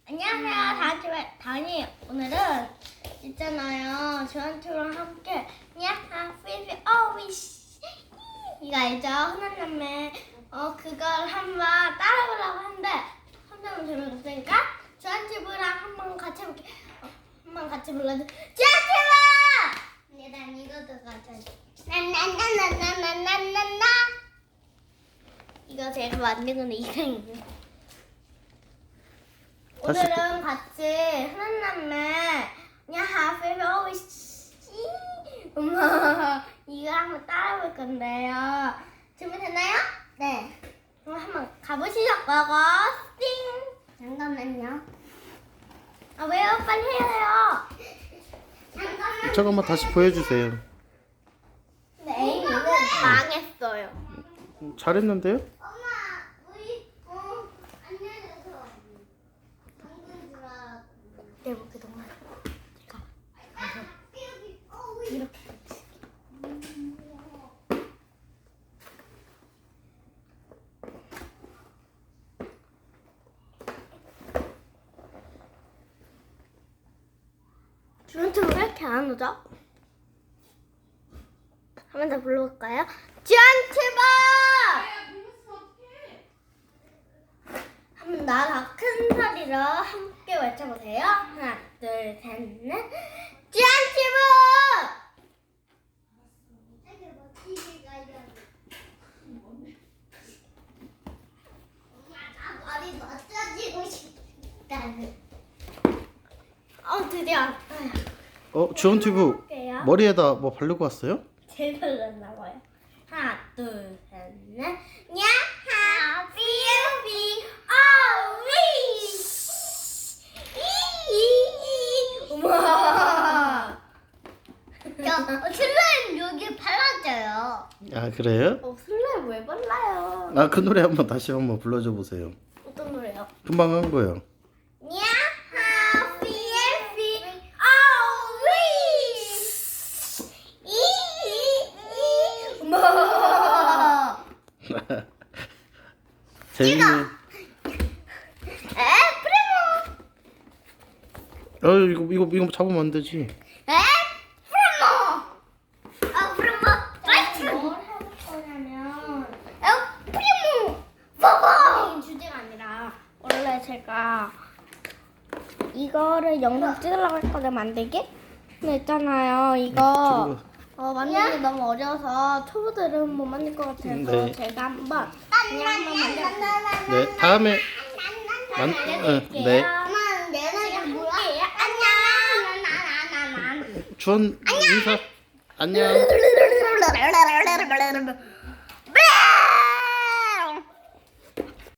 안녕하세요, 다니. 오늘은 있잖아요. 저한테랑 함께 야하 피비 어위시 이거 알죠? 흔한남매 그걸 한번 따라보려고 하는데 한번 재미없으니까 저한테랑 한번 같이 해볼게. 한번 같이 불러줘. 저한테랑. 난 이것도 같이. 나나나나나나나나. 이거 제가 만든 건데 이상해요. 오늘은 같이 흔한남매 야하 피비 어위시 엄마 이거 한번 따라볼 건데요. 준비됐나요? 네. 그럼 한번 가보시죠. 고고 띵. 잠깐만요. 아 왜요? 빨리 해요. 잠깐만. 잠깐만 다시 보여주세요. 네, 에이미는 망했어요. 잘했는데요? 엄마, 우리 안 내려서 당근 주라. 내 목에 동안 제가 이렇게. 주문처럼 왜 이렇게 안 오죠? 한 번 더 불러볼까요? 지안치바! 한번 나가 큰 소리로 함께 외쳐보세요. 하나, 둘, 셋, 넷. 지안치부! 엄마가 머리 멋져지고 싶다는. 드디어. 주원튜브 해볼게요. 머리에다 뭐 바르고 왔어요? 제일 별로였나 봐요. 하나, 둘, 셋, 넷. 야하, 삐우삐, 어위! 우와! 슬라임 여기 발라져요. 아 그래요? 슬라임 왜 발라요? 아 그 노래 한번 다시 한번 불러줘 보세요. 어떤 노래요? 금방 한 거요. 야하, 삐우삐, 어위! 우와! 재밌네. 프리모! 이거 잡으면 안 되지. 프리모! 프리모! 파이트! 뭘 해볼 거냐면 프리모! 봐봐! 주제가 아니라 원래 제가 이거를 영상 찍으려고 했거든 만들기? 근데 있잖아요 이거 만들기 너무 어려워서 초보들은 못 만들 것 같아서 네. 제가 한번 그냥 한번 만들어볼게요. 네 다음에 네. 엄마 내가 뭐야? 안녕. 주원 인사 안녕.